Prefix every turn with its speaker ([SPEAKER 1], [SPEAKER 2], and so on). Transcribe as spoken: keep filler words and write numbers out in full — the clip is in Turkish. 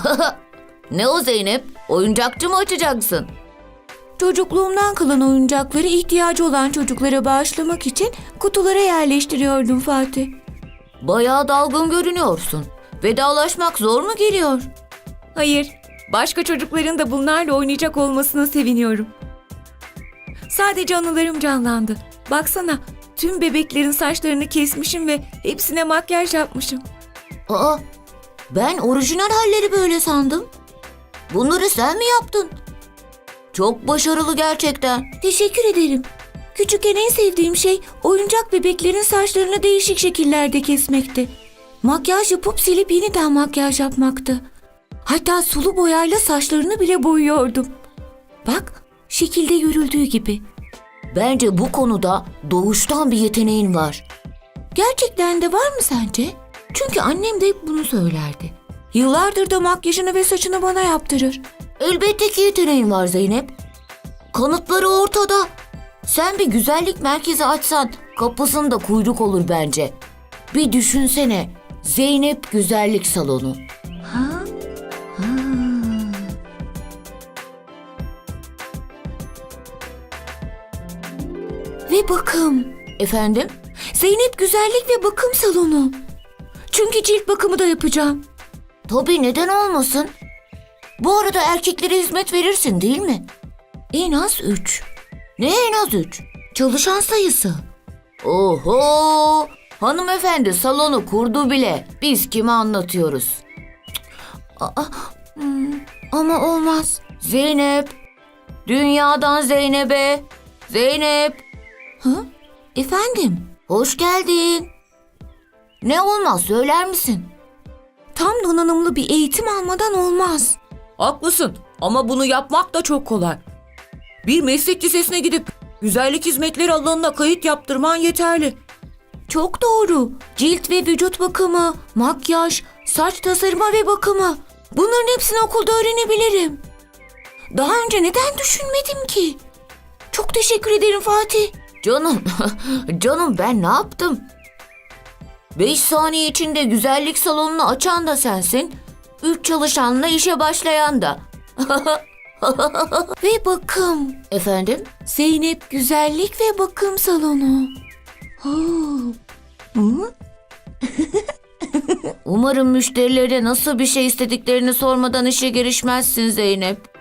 [SPEAKER 1] Ne o Zeynep? Oyuncakçı mı açacaksın?
[SPEAKER 2] Çocukluğumdan kalan oyuncakları ihtiyacı olan çocuklara bağışlamak için kutulara yerleştiriyordum Fatih.
[SPEAKER 1] Bayağı dalgın görünüyorsun. Vedalaşmak zor mu geliyor?
[SPEAKER 2] Hayır, başka çocukların da bunlarla oynayacak olmasına seviniyorum. Sadece anılarım canlandı. Baksana, tüm bebeklerin saçlarını kesmişim ve hepsine makyaj yapmışım.
[SPEAKER 1] Aa, ben orijinal halleri böyle sandım. Bunları sen mi yaptın? Çok başarılı gerçekten.
[SPEAKER 2] Teşekkür ederim. Küçükken en sevdiğim şey oyuncak bebeklerin saçlarını değişik şekillerde kesmekti. Makyaj yapıp silip yeniden makyaj yapmaktı. Hatta sulu boyayla saçlarını bile boyuyordum. Bak, şekilde görüldüğü gibi.
[SPEAKER 1] Bence bu konuda doğuştan bir yeteneğin var.
[SPEAKER 2] Gerçekten de var mı sence? Çünkü annem de hep bunu söylerdi. Yıllardır da makyajını ve saçını bana yaptırır.
[SPEAKER 1] Elbette ki yeteneğin var Zeynep. Kanıtları ortada. Sen bir güzellik merkezi açsan kapısında kuyruk olur bence. Bir düşünsene. Zeynep Güzellik Salonu.
[SPEAKER 2] Ha? Ha. Ve bakım.
[SPEAKER 1] Efendim?
[SPEAKER 2] Zeynep Güzellik ve Bakım Salonu. Çünkü cilt bakımı da yapacağım.
[SPEAKER 1] Tabii, neden olmasın? Bu arada erkeklere hizmet verirsin değil mi?
[SPEAKER 2] En az üç.
[SPEAKER 1] Ne en az üç?
[SPEAKER 2] Çalışan sayısı.
[SPEAKER 1] Oho! Hanımefendi salonu kurdu bile. Biz kime anlatıyoruz?
[SPEAKER 2] Aa, hmm, ama olmaz.
[SPEAKER 1] Zeynep! Dünyadan Zeynep'e! Zeynep!
[SPEAKER 2] Ha? Efendim?
[SPEAKER 1] Hoş geldin. Ne olmaz, söyler misin?
[SPEAKER 2] Tam donanımlı bir eğitim almadan olmaz.
[SPEAKER 3] Haklısın ama bunu yapmak da çok kolay. Bir meslek lisesine gidip güzellik hizmetleri alanına kayıt yaptırman yeterli.
[SPEAKER 2] Çok doğru. Cilt ve vücut bakımı, makyaj, saç tasarımı ve bakımı. Bunların hepsini okulda öğrenebilirim. Daha önce neden düşünmedim ki? Çok teşekkür ederim Fatih.
[SPEAKER 1] Canım, canım ben ne yaptım? Beş saniye içinde güzellik salonunu açan da sensin. Üç çalışanla işe başlayan da.
[SPEAKER 2] Ve bakım.
[SPEAKER 1] Efendim?
[SPEAKER 2] Zeynep Güzellik ve Bakım Salonu. Oh. Hı?
[SPEAKER 1] Umarım müşterilere nasıl bir şey istediklerini sormadan işe girişmezsin Zeynep.